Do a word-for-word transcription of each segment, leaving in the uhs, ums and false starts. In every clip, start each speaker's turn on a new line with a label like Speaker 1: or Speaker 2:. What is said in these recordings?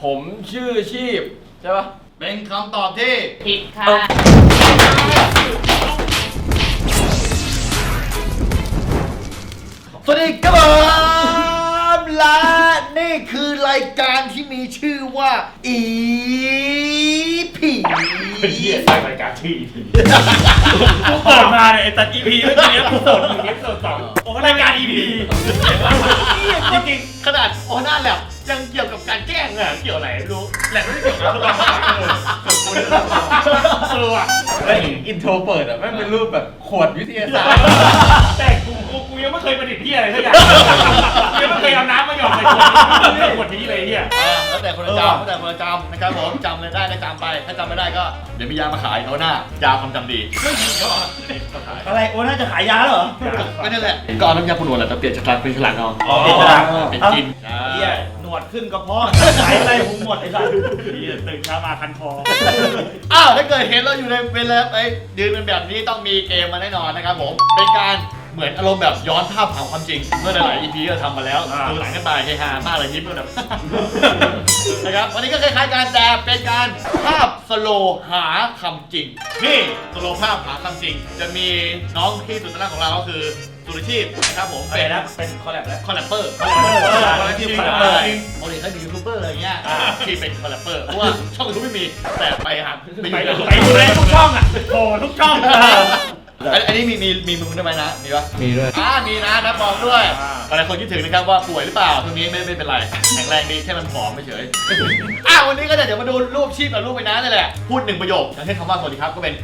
Speaker 1: ผมชื่อชีพใช่ปะ
Speaker 2: เป็นคำตอบที่
Speaker 3: ผิดค่ะ
Speaker 2: สวัสดีครับและนี่คือรายการที่มีชื่อว่าอีพี
Speaker 1: เฮียสร้างรายการชื่ออีพี
Speaker 4: กูเปิดมาเนี่ยไอ้ตัดอีพีเมื่อกี้กูสดหนึ่งเอฟสดสองโอ้รายการอีพี
Speaker 2: จริงๆขนาดโอน่าแลบยังเกี่ยวกับการแกล้งอะเกี่ยวอะไรไม่รู้แหลบไม่ได้เกี่ยวกับเออว่ะ
Speaker 1: ไอ้อินโทรเปิดอะแม่งเป็นรูปแบบขวดวิทยาศาสตร์
Speaker 4: แต่กูกูกูยังไม่เคยประดิษฐ์ที่อะไรสักอย่างยังไม่เคยเอาน้ำมาหยอดใส่ขวดนี้เลยเฮีย
Speaker 2: แล้วแต่คนละจำแล้วแต่คนละจำนะครับผมจำเลยได้ก็จำไปถ้าจำไม่ได้ก็เดี๋ยวมียามาขายโอน่ายาความจำดีไม่มีก็
Speaker 4: อะไรโอน่าจะขายยาเหรอ
Speaker 2: ไม่นั่นแหละก็น้ำยาปูนวดแหละแต่เปลี่ยนจากการเป็นฉลากเอาเป็นกิน
Speaker 4: เฮียหนวดขึ้นกระเพาะหายใจผมหมดไอ้สัสเฮียตื่นเช้ามาคันคอ
Speaker 2: อ้าวถ้าเกิดเห็นเราอยู่ในเวลาไอ้ยืนเป็นแบบนี้ต้องมีเกมมาแน่นอนนะครับผมเป็นการเหมือนอารมณ์แบบย้อนภาพหาความจริงเมื่อหลาย อี พี ก็ทำมาแล้วดูหลังกันไปเฮฮามากเลยยิ้มแบบนะครับวันนี้ก็คล้ายๆการแต่เป็นการภาพสโลหาคำจริงนี่สโลภาพหาคำจริงจะมีน้องที่สุดท้ายของเราก็คือสุรชีพนะครับผม
Speaker 4: เป็นนะเป็นคอลแลบแล้ว
Speaker 2: คอลแลบเปอร์
Speaker 4: คอลแลบเปอร์คอลแลบทีมคอลแลบเปอร์
Speaker 2: ปกติเขาเป็นยูทูบเบอร์อะไรเงี้ยที่เป็นคอลแลบเปอร์เพราะว่าช่องยูทูบไม่มีแต่ไปหา
Speaker 4: ไปไปดูเลยทุกช่องอ่ะโอ้ทุกช่อง
Speaker 2: อันนี้มีมีมีมึงได้ไหมนะมีปะ
Speaker 1: มีด้วย
Speaker 2: อ่ามีนะนะมองด้วยหลายคนคิดถึงนะครับว่าป่วยหรือเปล่าตรงนี้ไม่ไม่เป็นไรแข็งแรงดีแค่มันผอมไม่เฉยอ่ะวันนี้ก็เดี๋ยวมาดูรูปชีพกับรูปไปนะนี่แหละพูดหนึ่งประโยคอย่างเช่นคำว่าสวัสดีครับก็เป็น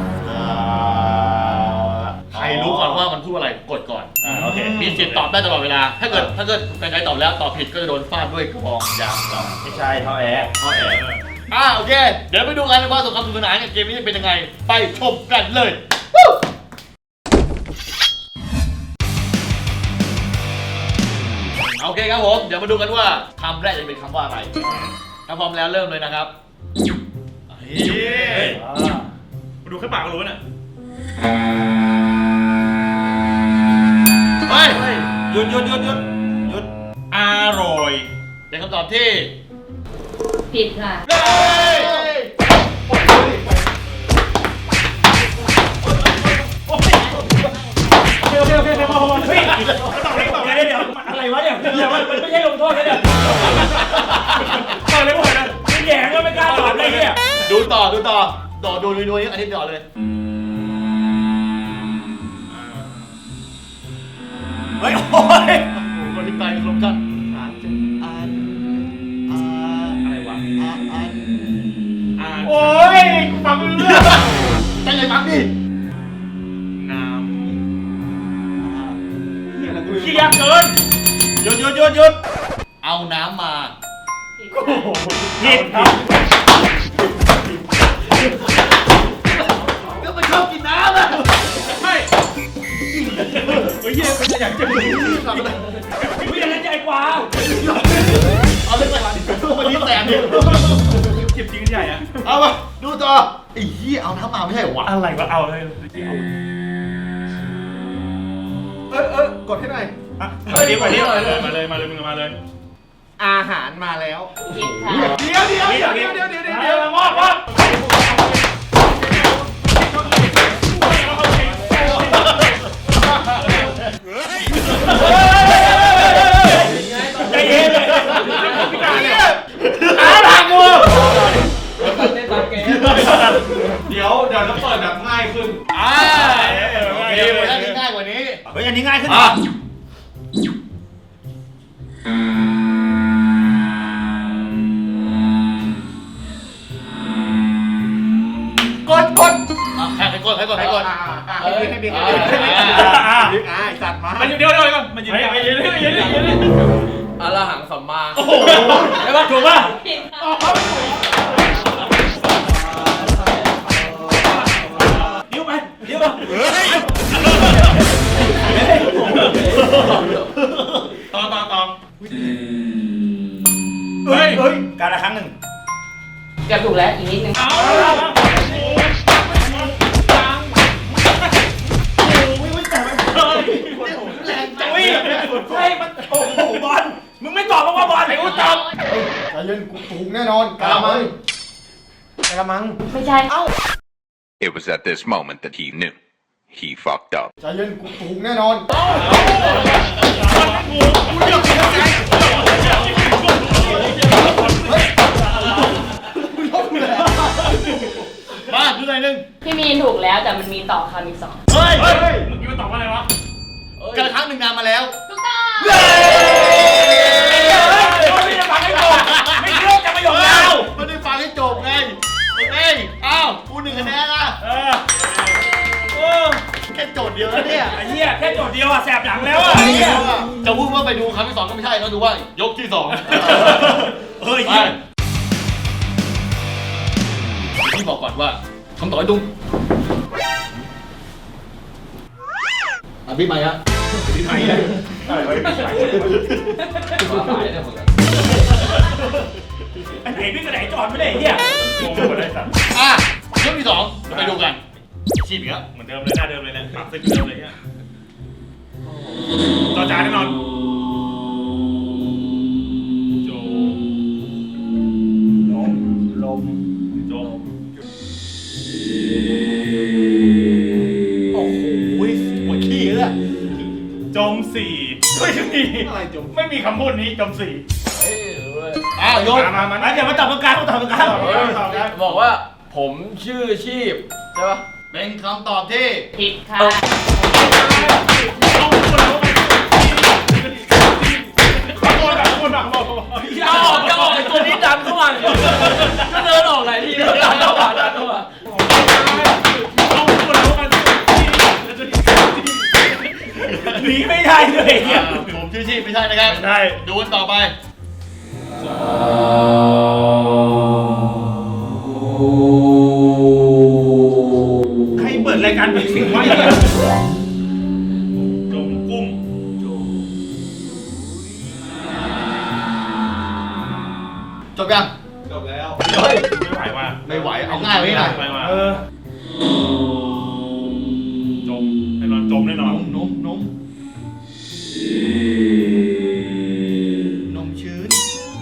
Speaker 2: ใครรู้ก่อนว่ามันพูดอะไรกดก่อน
Speaker 4: โอเค
Speaker 2: มีสิทธิ์ตอบได้ตลอดเวลาถ้าเกิดถ้าเกิดใครตอบแล้วตอบผิดก็จะโดนฟาดด้วยกระบองยางเรา
Speaker 4: ไม่ใช่ท่อแอร์
Speaker 2: ท่อแอร์อ่ะโอเคเดี๋ยวไปดูกันว่าสงครามสนุกสนานเกมนี้จะเป็นยังไงไปชมกันเลยโอเคครับผมเดี๋ยวมาดูกันว่าคำแรกจะเป็นคำว่าอะไรถ้าพร้อมแล้วเริ่มเลยนะครับ
Speaker 4: มาดูแค่ปากก็รู้น่ะ
Speaker 2: เฮ้ย
Speaker 4: หยุดหยุดหยุดหยุดหยุดอร่อย
Speaker 2: เป็นคำตอบที่
Speaker 3: ผิดค่ะ
Speaker 4: เดี๋ยวเดี๋ยวเดี๋ยวเฮ้ยตอบเลยตอบเลยเดี๋ยวอะไรวะเนี่ยเดี๋ยวมันไม่ใช่ลงโทษนะเดี๋ยวตอบเลยหมดนะไม่แย่งก็ไม่กล้าตอบเลยเนี่ย
Speaker 2: ดูต่อดูต่อต่อดูดูดูนี่อันนี้ต่อเลย
Speaker 4: เฮ้ยโอ้ย
Speaker 2: คนที่ไปลงกันอ่านอ่านอ่าน
Speaker 4: อะไรวะ
Speaker 2: อ่านอ่าน
Speaker 4: อ่านโอ้ยกูฟังไม่รู้เรื่อง
Speaker 2: ตั้งใจฟังดิ
Speaker 4: น้ำเขี้ยเกินหยุดหยุดหยุดหยุด
Speaker 2: เอาน้ำมา
Speaker 4: ผิดครับ
Speaker 2: ก็ไม่ชอบกินน้ำอ่ะ
Speaker 4: ไม่เฮ้ยเป็นอย่างจะมีไม่อย่างนั้นใหญ่กว่า
Speaker 2: เอาเรื่องอะไรวันนี้แสนเดียว
Speaker 4: เก็บจริงใหญ่อะ
Speaker 2: เอามาดูต่อไอ้ยี่เอาน้ำมาไม่ใช่หรอ
Speaker 4: อะไรวะเอาเลย
Speaker 2: เออเออกดให้หน่อย
Speaker 4: มาดีกว่านี้มาเลยมาเลยมาเลยมึงมาเลย
Speaker 1: อาหารมาแล้ว
Speaker 3: ผิดค่ะ
Speaker 2: เดี๋ยวเดี๋ยวเดี๋ยวเดี๋ยวเดี๋ยวเดี๋ยวเดี๋ยว
Speaker 4: มอดมอดใจเย็นเลยพี่การเนี่ยอาหลังมือ
Speaker 1: เดี๋ยวเดี๋ยวเราเปิดแบบง่ายขึ้น
Speaker 2: อ่าโอเคอันนี้ง่ายกว่านี้
Speaker 4: เฮ้ยอันนี้ง่ายขึ้น
Speaker 2: กดกดใครกดใครกดใครกด
Speaker 1: เฮ้ยให้บิ๊กให้บิ๊กให้บิ๊กอ่าสัตว์มา
Speaker 4: มันอยู่เดียวเดียวก่อนมันอยู่เดียวเดียวเดียวเดียวเดียว
Speaker 1: อรหังสัมมา
Speaker 4: โอ้โหใช่ป่ะถูกป่ะดิ้วไปดิ้วมาต่อต่อต่อเฮ้ยเฮ้ยการละครั้งหนึ่ง
Speaker 3: เกือบถูกแล้วอีกนิดนึง
Speaker 4: ใช่มันโอ้โหบอลมึงไม่ตอบเพราะว่าบอลไหนกูตอบ
Speaker 2: ใจเย็นกูถูกแน่นอนกะละมังกะละมัง
Speaker 3: ไม่ใช่
Speaker 2: เอ้า
Speaker 5: It was at this moment that he knew he fucked up.
Speaker 2: ใจเย็นกูถูกแน่นอน มาดูหน่อยนึง
Speaker 3: พี่มีนถูกแล้วแต่มันมีต่อคำอีกสอง
Speaker 2: เฮ้ย
Speaker 4: เฮ้ยเมื่อกี้มันตอบว่าอะไรวะ
Speaker 2: กระครั้งหนึ่งนานมาแล้ว
Speaker 3: ถูกต้อง
Speaker 2: เย้
Speaker 4: ไม่ได้ฟังให้จบไม่คิดว่าจะประโยคยาว
Speaker 2: ไม่ได้ฟังให้จบไงเอ้ยอ้าวกูหนึ่งคะแนนอ่ะ
Speaker 4: เออโอ้
Speaker 2: แค่โจทย์เดียวแล้วเนี่ย
Speaker 4: ไอ้เหี้ยแค่โจทย์เดียวอะแสบหลังแล้วอะไอ้เหี้ย
Speaker 2: จะพูดว่าไปดูครั้งที่สองก็ไม่ใช่ต้องดูว่ายกที่สอง
Speaker 4: เฮ้ย
Speaker 2: ไปพี่บอกก่อนว่าคำตอบไอ้ตุ้งอ่ะพี่ใหม่ฮะ
Speaker 4: ที่ไหนอะอะไรวะไอ้ไหนพี่กับไหนจอดไม่ได้ไอ้เหี้ยงงหมดเลยสัตว์
Speaker 2: อ่ะยกที่สองไปดูกันชีพอีกแล้ว
Speaker 4: เหมือนเดิมเลยหน้าเดิมเลยนะปรับสิบเดิมเลยเนี่ยต่อจานแน่นอนโจลมลมโจ
Speaker 2: โอ้โหหัวขี้เลย
Speaker 4: จมสี่ไม่มีอะไรจมไม่มีคำพูดนี้จมสี่
Speaker 2: อ้าวโยน
Speaker 4: มามามาเดี๋ยวมาตอบกลางๆมาตอบกลางๆ
Speaker 6: บอกว่าผมชื่อชีพใช่ปะ
Speaker 2: เป็นคำตอบที่
Speaker 3: ผิดค่ะ
Speaker 6: จะออกจะออกไอ้ตัวนี้ดันเข้ามาก็เดินออกหลายทีแล้วดันเข้ามาดันเข้ามา
Speaker 4: หนีไม่ได้เลยเนี่ย
Speaker 2: ผมชื่อชีพไม่ใช่นะครับ
Speaker 4: ได้
Speaker 2: ดูกันต่อไป
Speaker 4: ใครเปิดรายการเป็นสิ่งไว้เนี่ยจมกุ้ง
Speaker 2: จบยัง
Speaker 4: เฮ้ยไม่ไหวว่ะ
Speaker 2: ไม่ไหวเอาง่ายไว้หน่อย
Speaker 4: ไม่ไหวว่ะเออจมแน่นอนจมแน่นอน
Speaker 2: นมนมนมชื้น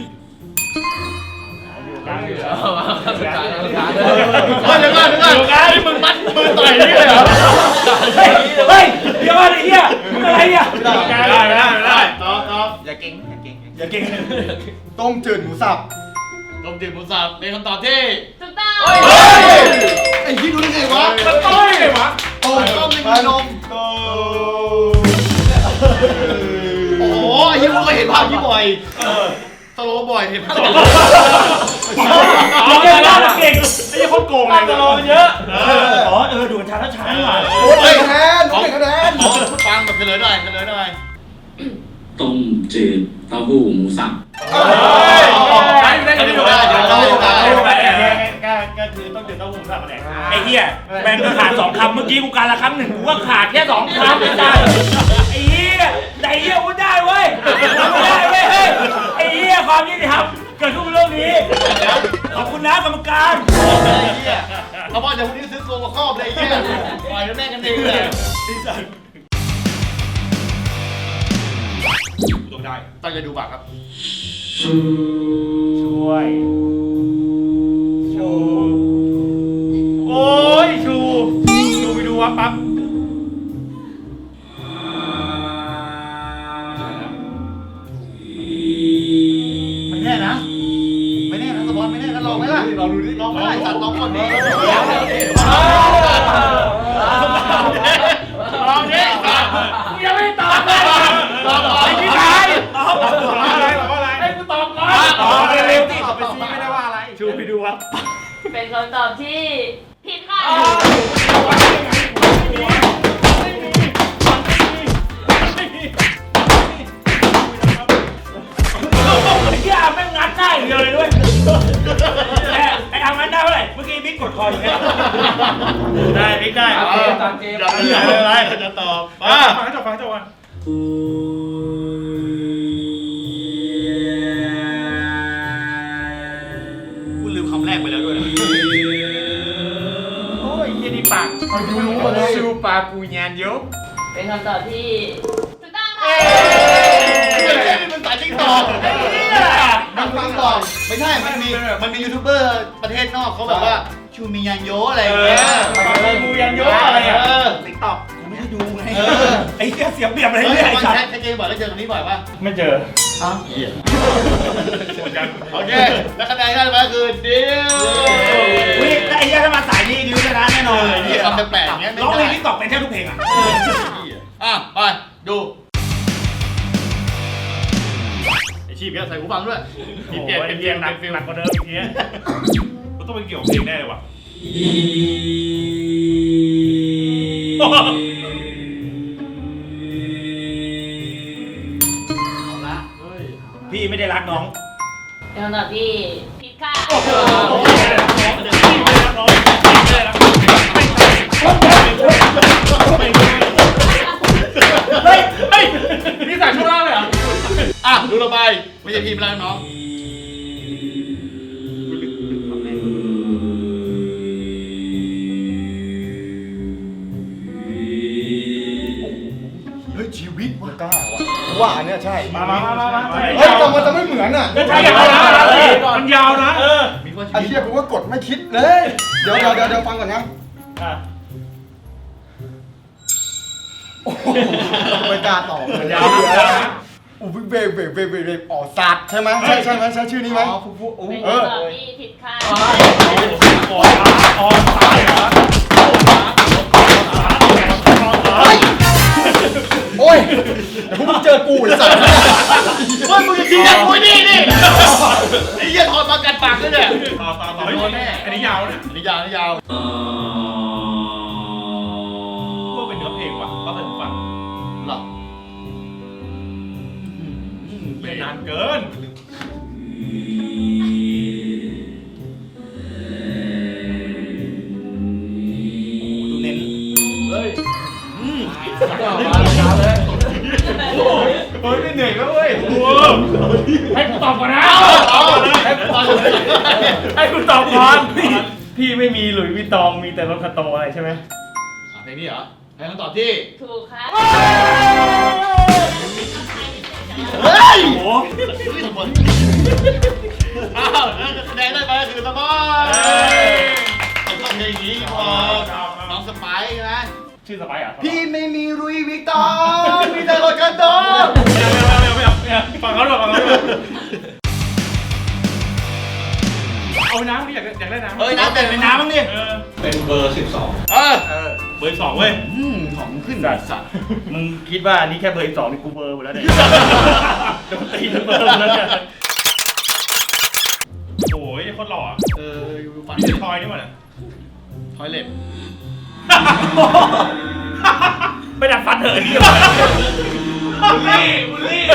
Speaker 4: กลางอยู่
Speaker 6: เอามาสุดท้ายสุดท้าย
Speaker 2: เฮ้ยเดี๋ยวก่อนเดี๋ยวก่อนนี่มึงมัดมือต่อยนี่เลยเหรอ
Speaker 4: เฮ้ยเฮ้ยเดี๋ยวอะไรเนี่ยทำอะไรเนี่ยไม่ได้ไม่ได้ไม่ได้
Speaker 2: ต่อต่อ
Speaker 6: อย่าเก่งอย่าเก่ง
Speaker 4: อย่าเก่ง
Speaker 2: ต้มจืดหมูสับต้มจืดหมูสับเป็นคำตอบที่
Speaker 3: ถูกต้อง
Speaker 2: เฮ้ยไอ้ที่รู้ได้ไงวะ
Speaker 4: มันต้อยเลยวะ
Speaker 2: โอ้ต้มในมีนมโอ้โหไอ้ยี่มึงก็เห็นภาพนี้บ่อยสโลว์บ่อยเห็นภาพ
Speaker 4: เอาเก่งมากเก่งไอ้ยี่คนโกงเลยรอมันเยอะอ๋อเออดูช้าแล้วช้าหน่อย
Speaker 2: โอ้ยคะแนนโอ้ยคะแนนฟังแบบเฉลยหน่อยเฉลยหน่อย
Speaker 7: ต้มจืดเต้าหู้หมูสับ
Speaker 2: ได้ได้ได้ได้ได้ได้
Speaker 4: ก็คือต้องจืดเต้าหู้สับอะไรไอ้เหี้ยแบ่งก็ขาดสองคำเมื่อกี้กูการละครั้งหนึ่งกูก็ขาดแค่สองคำไม่ได้ไอ้เหี้ยแต่ไอ้เหี้ยกูได้เว้ยไม่ได้เว้ยไอ้เหี้ยความยุติธรรมเกิดขึ้นบนโลกนี้ขอบคุณนะกรรมการ
Speaker 2: เขาบอกจะพรุ่งนี้ซื้อตัวมาครอบเลยไอ้เหี้ยปล่อยแล้วแม่งกันเองเลย
Speaker 4: ต้องได้
Speaker 2: ตั้งใจดูบัตรครับ
Speaker 4: ช่วยชูโอ้ยชูชูไปดูวะปั๊บ
Speaker 2: ไม่แน่นะไม่แน่นะสปอนไม่แน่นะลองไหมล่ะลองดูดิลองไหมล่ะสัตว์ลองก่อนดิลองดิกูยังไม่ตอบเลยลองก่อนพี่ชาย
Speaker 4: ตอบอะไรตอบอะไรให้กูตอบก่อนตอบเร็วๆสิตอบไปซีไม่ได้ว่าอะไรชูไปดูวะ
Speaker 3: เป็นคำตอบที่ผิดค่ะ
Speaker 4: ไอ้เหี้ยแม่งงัดได้เดียวเลยด้วยแต่ไอ้อางัดได้เท่าไหร่เมื่อกี้บิ๊กกดคออยู่แค่ได้บิ๊กได้
Speaker 6: ตามเกมตามเกม
Speaker 2: อย่าอย่าอะไรจะตอบมา
Speaker 4: ฟังให้จบฟังให้จบก่อน
Speaker 2: กูลืมคำแรกไปแล้วด้วย
Speaker 4: โอ้ยเหี้ยนี่ปาก
Speaker 2: ดูรู้มาเลย
Speaker 6: ชูปลาปูยานเยอะ
Speaker 3: เป็นคำตอบที่ถูกต้องค่ะ
Speaker 2: ไม่ใช่นี่มันสายติ๊กตอก
Speaker 4: ไอ้เหี้ย
Speaker 2: มันฟังก่อนเป็นมันมีมันมียูทูบเบอร์ประเทศนอกเขาแบบว่าชูมียันโยอะไรอย่างเงี้ย
Speaker 4: มูยันโยอะไรอ่ะ
Speaker 2: เออ
Speaker 4: ติ๊กต็อกกูไม่ได้ดูไง
Speaker 2: เออ
Speaker 4: ไอ้เหี้ยเสียเปรียบอะไร
Speaker 2: เฮ้ย
Speaker 4: เนี่ยไอ้
Speaker 2: วัน
Speaker 4: สัต
Speaker 2: แช
Speaker 4: ว์
Speaker 2: ทแชทเกมบ่อยแล้วเจอตรงนี้บ่อยป่ะ
Speaker 4: ไม่เจอ
Speaker 2: อ้าวเหี้ยโอเคแล้วคะแนนได้มาคือดิว
Speaker 4: อุ้ยไอ้เหี้ยถ้ามาสายนี้ดิวชนะแน่นอนเลย
Speaker 2: นี่คำแปลกๆอย่างเงี้ย
Speaker 4: ร้องเพลงติ๊กต็อกเป็นแทบทุกเพลงอ่ะ
Speaker 2: อ่ะไปดูไอชีพเนี่ยใส่หูฟังด้วย
Speaker 4: โอ้โหเป็นเพียงหนักหนักกว่าเดิมอีกที
Speaker 1: ก็ต้องเป็นเกี่ยวกับเพลงแน่เลยว่ะ
Speaker 4: พี่ไม่ได้รักน้อง
Speaker 3: เป็นคำตอบที่ผิดค่ะ
Speaker 2: เฮ้ยเฮ้ยนี่ใส่ช่วงล่างเลยเหรออ่ะดูเราไปไม่ใช่พีมแล้วน้องเฮ้ยชีวิตว่ะกล้าว่ะว่าอันเนี้ยใช่
Speaker 4: มามามามา
Speaker 8: เฮ้ยแต่มันจะไม่เหมือนอ่ะ
Speaker 4: ใช่ยาวนะมันยาวนะเออ
Speaker 2: มีว่าชี
Speaker 8: ไอ้
Speaker 2: วิต
Speaker 8: เชี่ยกูว่ากดไม่คิดเลย เดี๋ยวเดี๋ยวเดี๋ยวเดี๋ยวฟังก่อนนะโอ้โหไม่กล้าตอบเลย
Speaker 4: ยาวนะ
Speaker 8: อู้เบเบเบเบเบอ๋อสัตว์ใช่ไหมใช่ใช่ไหมใช่ชื่อนี้ไหม
Speaker 2: อ๋อผู้ผู้โอ้
Speaker 3: เป็น
Speaker 8: เออ
Speaker 3: คำตอบที่ผิดค่ะ
Speaker 4: อ๋ออ๋อตายเหรอ
Speaker 8: โอ้ยเดี๋ยวพวกมึงเจอกูไอ้สัตว์
Speaker 2: เฮ้ยมึงจะทิ้งกูนี่นี่ไอ้เหี้ยถอดมากัดปากด้วยเนี่ย
Speaker 1: ต่อต่อต่อ
Speaker 2: โดนแน่
Speaker 1: อันนี้ยาวนะ
Speaker 2: อันนี้ยาวอันนี้ยาว
Speaker 1: พวกเป็นเนื้อเพลงว่ะก็เป็นฟัง
Speaker 2: หรอ
Speaker 1: เล่นนานเกิน
Speaker 4: ดูเน้น
Speaker 2: เฮ้ย
Speaker 1: เฮ้ยไม่เหนื่อยแล้วเว้ย
Speaker 4: ให้กูตอบก่อนนะ
Speaker 2: เอาให้ตอน
Speaker 4: ให้กูตอบก่อนพี่พี่ไม่มีหลุยส์วิตตองมีแต่รถคาโตอะไรใช่ไหม
Speaker 2: เพลงนี้เหรอให้คำตอบที่
Speaker 3: ถูกค่ะ
Speaker 2: เฮ้ย
Speaker 4: โอ้โห
Speaker 2: อ้าวแล้วคะแนนได้ไปก็คือสปอยผมชอบเพลงนี้พอน้องสไปซ์นะ
Speaker 4: ชื่อสไปร์อ่ะ
Speaker 2: พี่ไม่มีรุยวิกตองมีแต่รถกันโต
Speaker 1: ฟังเขาด้วยฟังเขาด้วยเอาน้ำดิอยากอยากได้น้ำ
Speaker 2: เฮ้ยน้ำเต็ม
Speaker 4: เป็นน้ำบ้างดิ
Speaker 1: เออ
Speaker 2: เป็นเบอร์สิบสองเออ
Speaker 1: เบอร์สองเว้ย
Speaker 2: อืมของขึ้นสัตว์
Speaker 4: มึงคิดว่านี่แค่เบอร์สองนี่กูเบอร์หมดแล้วเนี่ยโดนตีทั้งเบอร์หมดแล้วเนี่ย
Speaker 1: โอ้ยโคตรหล่อ
Speaker 2: เอออยู่ฝัน
Speaker 1: นี่เป็นทอยนี่หว่าเนี่ย
Speaker 2: ทอยเล็บ
Speaker 4: ไปดัดฟันเถอะนี่
Speaker 1: บุลลี่บุลลี่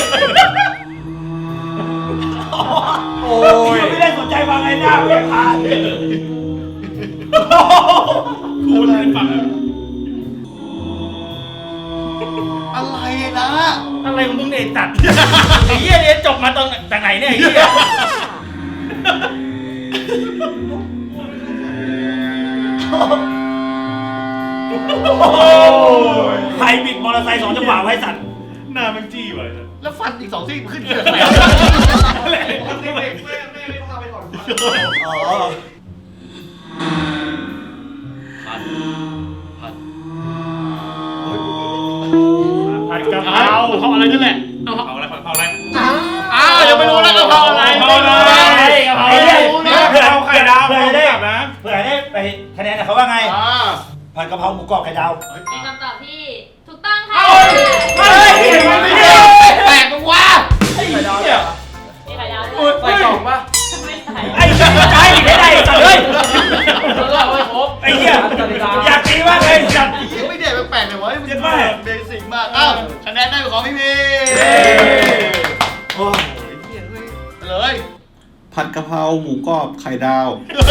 Speaker 4: โอ้ยไม่ได้สนใจว่าไงหน้าไม่ผ่าน
Speaker 1: คูณเป็นฝั่ง
Speaker 2: อะไรนะ
Speaker 4: อะไรของมึงเนี่ยตัดไอ้เหี้ยเนี่ยจบมาตรงจากไหนเนี่ยไอ้เหี้ยใครบิดมอเตอร์ไซค์สองจังหวะไว้สัตว์
Speaker 1: หน้ามันจี้ว่ะ
Speaker 2: แล้วฟันอีกสองซี่ขึ้นเกิดไหนอ๋อพันพัน
Speaker 4: ผัดกะเพ
Speaker 2: เอา
Speaker 4: รา
Speaker 2: เขาอะไรนั่นแหละเอา
Speaker 1: เผาอะไรเผาอะไร
Speaker 2: อ้าวยังไม่รู้แล้วกะเพราอะไร
Speaker 4: กะเพราอะไรกะเพราอะไร
Speaker 1: เผื่อเอาไข่ดาว
Speaker 4: เผื่อได้
Speaker 1: แบบนะ
Speaker 4: เผื่อได้ไปคะแนนเขาว่าไง
Speaker 2: อ่า
Speaker 4: ผัดกะเพราหมูกรอบไข่ดาว
Speaker 3: เป็นคำตอบที่ถูกต้องค่ะ
Speaker 4: เฮ้ยมันไม่ได้
Speaker 2: แปลกมึงวะ
Speaker 4: ไอ้เหี้ย
Speaker 3: มีไข่ดาวด้วย
Speaker 6: ใส่กล่องปะ
Speaker 3: ไม่ใส่
Speaker 4: ไอ้เหี้ยใจไม่ได้สัตว์เลย
Speaker 6: แล้วก็เอาไว้ครบ
Speaker 4: ไอ้เหี้ยอยากตีมากเลยสัตว์
Speaker 2: ยังไม่เด็ดแปลกๆเลยวะมัน
Speaker 4: เจ็บมาก
Speaker 2: เบสิกมากอ้าวคะแนนได้เป็นของพี่พีโอ้ยเลย
Speaker 9: ผัดกะเพราหมูกรอบไข่ดาว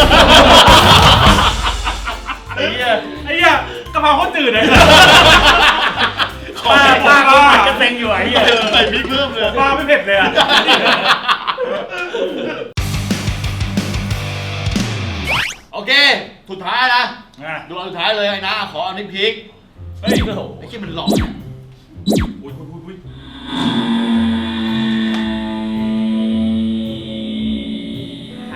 Speaker 4: ไอ้เหี้ย
Speaker 1: ไอ้เหี้ยกะเพราโคตรจืดเลย
Speaker 4: ป้าป้าเขาผัดกระเซ็งอยู่ไอ้เหี้ย
Speaker 2: ใส่พริกเพิ่มเลย
Speaker 1: ปลาไม่เผ็ดเลยอ่ะ
Speaker 2: โอเค สุดท้ายนะ
Speaker 4: อ่ะ
Speaker 2: ดูอันสุดท้ายเลยไอ้นะขออันนี้พริก
Speaker 1: เฮ้ย
Speaker 2: ไอ้ที่มันหลอกเนี่ย
Speaker 1: อุ้ยอุ้ยอุ้ย
Speaker 3: ถ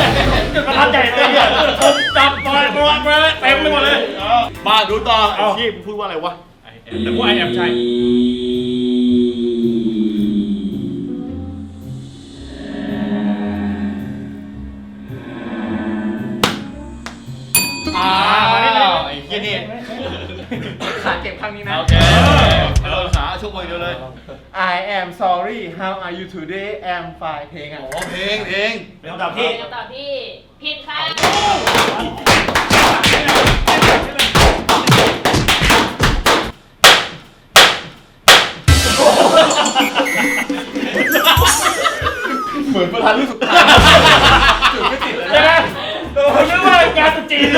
Speaker 4: จุดประทับใจเลยเนี่ยผมจับปล่อยปล่อยปล่อยเต็มไปหมดเลย
Speaker 2: มาดูต่อไอ้ที่พูดว่าอะไรวะ
Speaker 4: แต่ว่าไอแอมใช่
Speaker 2: อ้าวไอ้เหี้ยนี่
Speaker 6: ขาเก็บครั้งนี้นะ
Speaker 2: โอเคโดนขาช่วงมือเดียวเลย
Speaker 1: I am sorry how are you today am fine เพลงอ่ะ
Speaker 2: โอ้เพลงเพลง
Speaker 4: เป็นคำตอบที่
Speaker 3: เป็นคำตอบที่ผิดค่ะ
Speaker 1: เหมือนประธานรุ่นสุดท้ายจุดไม่ติดเลย
Speaker 4: ใช่ไหมผมนึกว่างานตุ๊จีนเลย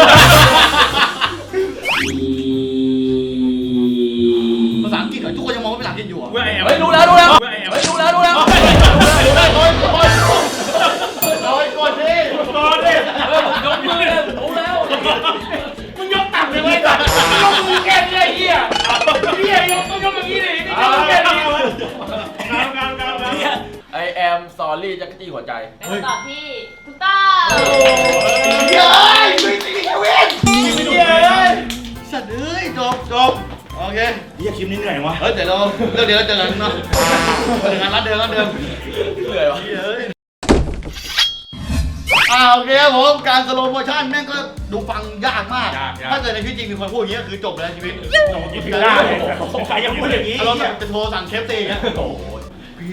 Speaker 2: ภาษาอังกฤษเหรอทุกคนยังมองว่าเป็นภาษาอังกฤษอยู่อ่ะ
Speaker 4: ว่าไอแอม
Speaker 6: เฮ้ยรู้แล้วรู้แล้ว
Speaker 4: ว่าไอแอม
Speaker 6: เฮ้ยรู้แล้วรู้แล้ว
Speaker 2: ดูได้โดนโดนโดนกดดิ
Speaker 4: ก่อนดิ
Speaker 6: เฮ้ยผมยกมือเลยรู้แล้ว
Speaker 4: มึงยกต่ำเลยไว้ก่อนยกมือแค่นี้ไอ้เหี้ยเหี้ยยกต้องยกอย่างนี้ดินี่ยกแค่นี้งานงานงานงาน
Speaker 6: ไอแอมซอรี่จักรจี้หัวใจ
Speaker 3: เป็นคำตอบที่ถูกต้อง
Speaker 2: เย้ยไม่ตีแค่เว้นเย้ยสัตว์เอ้ยจบจบโอเค
Speaker 4: เหี้ยคลิปนี้เหนื่อยวะ
Speaker 2: เฮ้ยเดี๋ยวเราเดี๋ยวเดี๋ยวเจอกันเนาะเจอกันร้านเดิมร้านเดิม
Speaker 6: เหนื่อยวะ
Speaker 2: อ่าโอเคครับผมการสโลโมชั่นแม่งก็ดูฟังยากมาก ถ้าเกิดในชีวิตจริงมีคนพูดอย่างนี้ก็คือจบเลยชีวิต
Speaker 4: โอ้ยผิดได้สงสัยยังพูดอย่างนี้
Speaker 2: อารมณ์แบบจะโทรสั่งเคฟซีอย่างเงี้ยโอ้ยพี่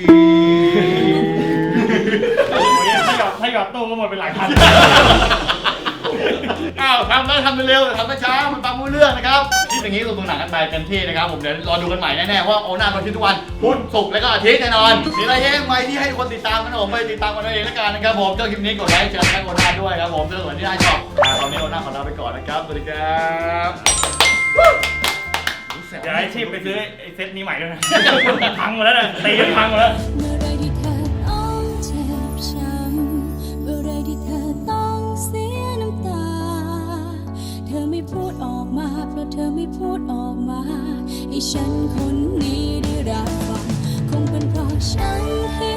Speaker 4: ถ้าหยอดถ้าหยอดตู้ก็หมดไปหลายพัน
Speaker 2: อ้าวทำได้ทำเร็วๆทำได้ช้ามันฟังไม่รู้เรื่องนะครับคลิปอย่างนี้ลงตรงหนังกันไปเต็มที่นะครับผมเดี๋ยวรอดูกันใหม่แน่ๆว่าโอน่ามาที่ทุกวันพุธศุกร์แล้วก็อาทิตย์แน่นอนมีอะไรแย่งไหมที่ให้คนติดตามกันผมไปติดตามกันเอาเองแล้วกันนะครับผมเจ้าคลิปนี้กดไลค์เชิญแท็กโอน่าด้วยครับผมเจอกันที่ได้ชอบตอนนี้โอน่าขอลาไปก่อนนะครับสวัสดีครับ
Speaker 4: เดี๋ยวไอ้ชีพไปซื้อไอ้เซตนี้ใหม่ด้วยนะพังหมดแล้วนะตีกันพังหมดแล้ว
Speaker 10: เมื่อไรที่เธอต้องเจ็บช้ำเมื่อไรที่เธอต้องเสียน้ำตา เธอไม่พูดออกมาเพราะเธอไม่พูดออกมาให้ฉันคนนี้ได้รับฟังคงเป็นเพราะฉันให้